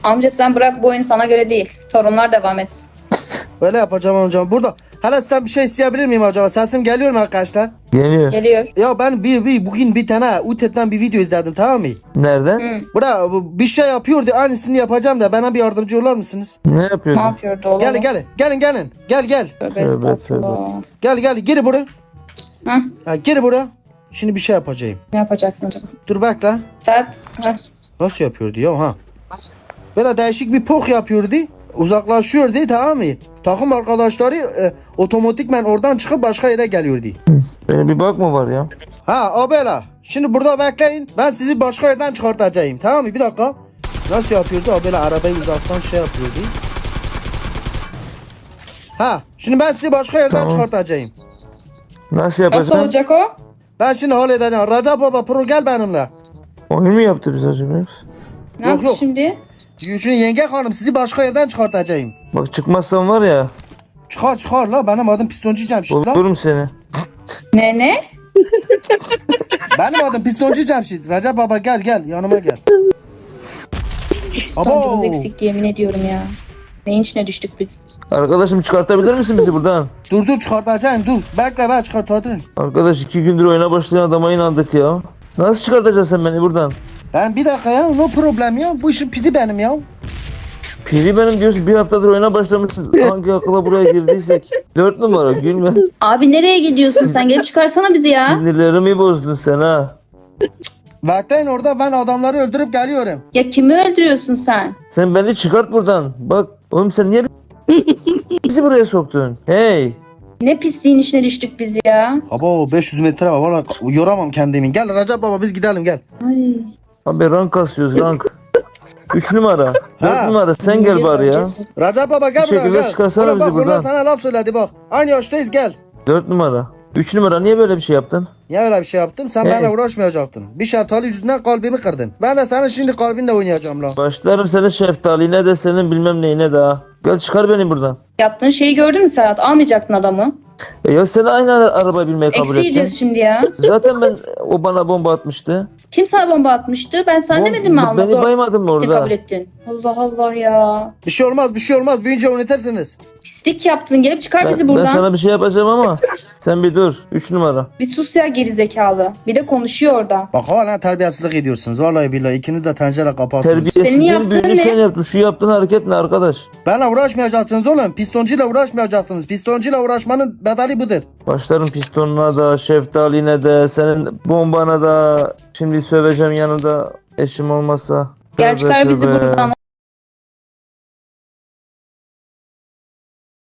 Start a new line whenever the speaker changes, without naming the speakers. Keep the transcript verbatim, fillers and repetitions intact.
Amca sen bırak, bu oyun sana göre değil. Sorunlar devam etsin.
Öyle yapacağım amcam. Burada. Hele sizden bir şey isteyebilir miyim acaba? Sesim geliyor mu arkadaşlar?
Geliyor.
Geliyor.
Ya ben bir, bir bugün bir tane UTED'den bir video izledim, tamam mı?
Nereden?
Hı.
Bura bu- bir şey yapıyordu, aynısını yapacağım da bana bir yardımcı olur musunuz?
Ne
Ne
yapıyordun?
yapıyordu oğlum?
Gelin gelin gelin gelin gel gel
Tövbe
Tövbe,
estağfurullah.
gel gel gir buraya.
Hah,
Ha, gir buraya. Şimdi bir şey yapacağım.
ne yapacaksın acaba?
Dur bekle.
Sen hah,
Nasıl yapıyordu ya ha? Böyle değişik bir pok yapıyordu. Uzaklaşıyordu, tamam mı? Takım arkadaşları e, otomatikmen oradan çıkıp başka yere geliyordu.
Benim bir bak mı var ya?
Ha abela. Şimdi burada bekleyin. Ben sizi başka yerden çıkartacağım. Tamam mı? Bir dakika. Nasıl yapıyordu? Abela arabayı uzaktan şey yapıyordu. Ha. Şimdi ben sizi başka yerden
Tamam.
çıkartacağım.
Nasıl
nasıl
yapacaksın?
olacak o?
Ben şimdi halledeceğim. Recep baba pro gel benimle.
Oyun mu yaptı biz acaba?
Ne
Yok,
yaptı
yok.
şimdi?
Şimdi yenge hanım sizi başka yerden çıkartacağım.
Bak çıkmazsan var ya.
Çıkar çıkar la, benim adım Pistoncu Cemşit la.
Bulurum seni.
Ne ne?
Benim adım Pistoncu Cemşit. Recep baba gel gel yanıma gel.
Pistoncumuz
Abo.
eksik, yemin ediyorum ya. Neyin içine düştük biz?
Arkadaşım çıkartabilir misin bizi buradan?
Dur dur çıkartacağım dur. Bekle ben çıkartacağım.
Arkadaş iki gündür oyuna başlayan adama inandık ya. Nasıl çıkartacaksın sen beni buradan?
Ben bir dakika ya, no problem ya. Bu işin pidi benim ya.
Piri benim diyorsun, bir haftadır oyuna başlamışsın. Hangi akılla buraya girdiysek. Dört numara gülme.
Abi nereye gidiyorsun sen? Gelip çıkarsana bizi ya.
Sinirlerimi bozdun sen ha.
Bekleyin orada, ben adamları öldürüp geliyorum.
Ya kimi öldürüyorsun sen?
Sen beni çıkart buradan. Bak oğlum sen niye bizi buraya soktun? Hey.
Ne pisliğin içine düştük biz ya.
Abo beş yüz metre var valla, yoramam kendimi. Gel Recep baba biz gidelim gel.
Ay.
Abi rank kasıyoruz rank. Üç numara. Dört
Ha.
numara sen gel bari ya.
Recep baba gel
Bir
buraya
şekilde
gel.
çıkarsana
Ulan
bizi
bak, bunlar
buradan.
sana laf söyledi bak. Aynı yaştayız gel.
Dört numara. Üç numara niye böyle bir şey yaptın?
Niye öyle bir şey yaptım? Sen
Hey.
benimle uğraşmayacaktın. Bir şeftali yüzünden kalbimi kırdın. Ben de senin şimdi kalbinle oynayacağım lan.
Başlarım senin şeftaline de senin bilmem neyine de ha. Gel çıkar beni buradan.
Yaptığın şeyi gördün mü Serhat? Almayacaktın adamı.
E ya sen aynı araba binmeyi kabul
Eksi
ettin.
yiyeceğiz şimdi ya.
Zaten ben o bana bomba atmıştı.
Kim sana bomba atmıştı? Ben sana
Bom-
demedim mi alma?
Beni
Zor
baymadın mı
gitti,
orada?
kabul ettin. Allah Allah ya.
Bir şey olmaz bir şey olmaz. Büyünce oynatırsınız.
Pislik yaptın. Gelip çıkar bizi
Ben, ben
buradan.
sana bir şey yapacağım ama sen bir dur. Üç numara.
Bir sus ya, geri zekalı. Bir de konuşuyor orada.
Bak hala terbiyesizlik ediyorsunuz. Vallahi billahi ikiniz de tencere kapatsınız.
Terbiyesiz
Senin
değil,
yaptığın
büyüğünü
ne?
sen yaptın. Şu yaptığın hareket ne arkadaş?
Benle uğraşmayacaksınız oğlum. Pistoncuyla uğraşmayacaksınız. Pistoncuyla uğraşmanın bedeli budur.
Başlarım pistonuna da, şeftaline de, senin bombana da. Şimdi söveceğim yanında eşim olmasa.
Gel
Tövbe
çıkar bizi
tövbe.
buradan.